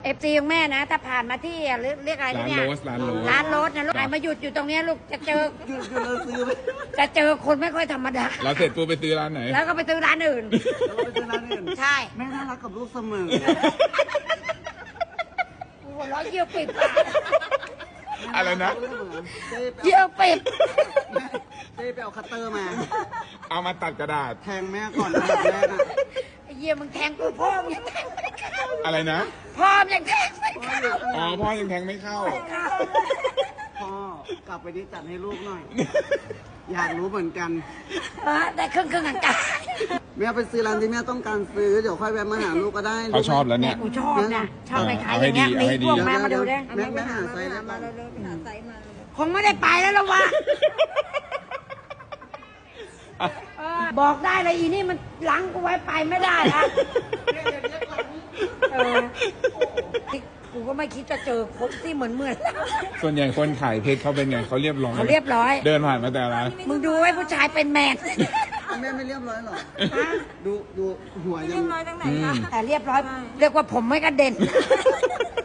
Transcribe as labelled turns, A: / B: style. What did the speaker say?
A: FC ของแม่นะถ้าผ่านมาที่เรียกอะไร
B: ร้าน
A: เนี่ย
B: โรสร้านโรส
A: ร้านโรสนะลูกไอ้มาหยุดอยู่ตรงเนี้ยลูกจะเจอ
C: หยุดเราซื้อไป
A: จะเจอคนไม่ค่อยธรรมดา
B: เราเสร็จปูไปซื้อร้านไหน
A: แล้วก็ไปซื้อร้านอื่น
C: เราไปซื้อร้านอื่น
A: ใช่
C: แม่น่ารักกับลูกเสมอ
A: หัวเราะเยี่ยวปิดปาก
B: อะไรนะ
A: เยี่ยวปิด
C: เจ๊ไปเอาคัตเตอร์มา
B: เอามาตัดกระดาษ
C: แทงแม่ก่อนนะแม่น่ะ
A: ไอ้เยี่ยมึงแทงกูพ่อมึงยังแทงไม่เข้า
B: อะไรนะ
A: พ่อมึงยังแทงไม่เข้า
B: อ๋อพ่อยังแทงไม่เข้า
C: พ่อกลับไปดิจัดให้ลูกหน่อย อยากรู้เหมือนกัน
A: แต่ครึ่งกลาง
C: แม่ไปซื้อร้านที่แม่ต้องการซื้อเดี๋ยวค่อยแวะมาหาลูกก็ได้
B: เขาชอบแล้ว
A: ๆ
B: เนี่ย
A: กูชอบนะชอบไปขาย
B: เอา
A: อ
B: ให้
A: ย่างเงี้ย
B: ดี
A: มี
B: เอาให้ดี
A: พวกมาดูดิ
C: แม่หาไซส์แล้ว
A: คงไม่ได้ไปแล้วละวะบอกได้เลยอีนี่มันหลังกูไว้ไปไม่ได้ละกูก็ไม่คิดจะเจอคนที่เหมือน
B: ส่วนใหญ่คนขายเพชรเขาเป็นไงเขาเรียบร้อย
A: เขาเรียบร้อย
B: เดินผ่านมาแต่ร้าน
A: มึงดูไว้ผู้ชายเป็นแมน
C: แม่ไม่เรียบร้อยหรอดูหัวยัง
A: แต่เรียบร้อย เรียกว่าผมไม่กระเด็น